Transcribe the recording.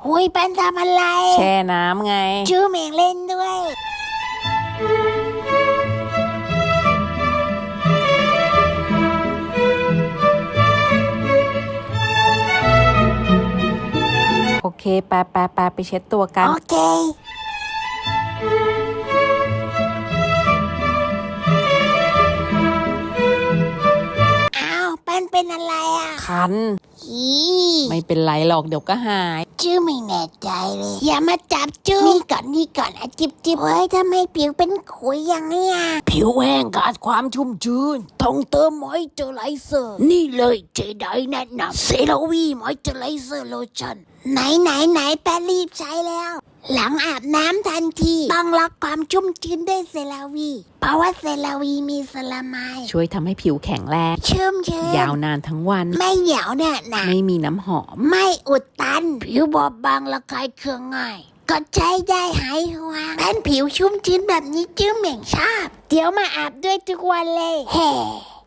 หุยเป็นทำอะไรแช่น้ำไงชื่อเมงเล่นด้วยโอเคไปเช็ดตัวกันโอเคอ้าวเป็นอะไรอ่ะคันฮีไม่เป็นไรหรอกเดี๋ยวก็หายชื่อไม่แน่ใจเลยอย่ามาจับชื่อนี่ก่อนจิบเฮ้ยทำไมผิวเป็นขุยอย่างเนี้ยผิวแห้งขาดความชุ่มชื้นต้องเติมมอยเจอไรเซอร์นี่เลยเจไดแนะนำเซราวีมอยเจอไรเซอร์โลชั่นไหนแป้รีบใช้แล้ว หลังอาบน้ำทันทีต้องล็อกความชุ่มชื้นด้วยเซราวีเพราะว่าเซราวีมีสลามายช่วยทำให้ผิวแข็งแรงชุ่มชื้นยาวนานทั้งวันไม่เหนียวแน่นะไม่มีน้ำหอมไม่อุดตันผิวบอบบางระคายเคืองง่ายก็ใช้ได้หายห่วงเป็นผิวชุ่มชื้นแบบนี้จื้อเหม่งชอบเดี๋ยวมาอาบด้วยทุกวันเลยแฮ่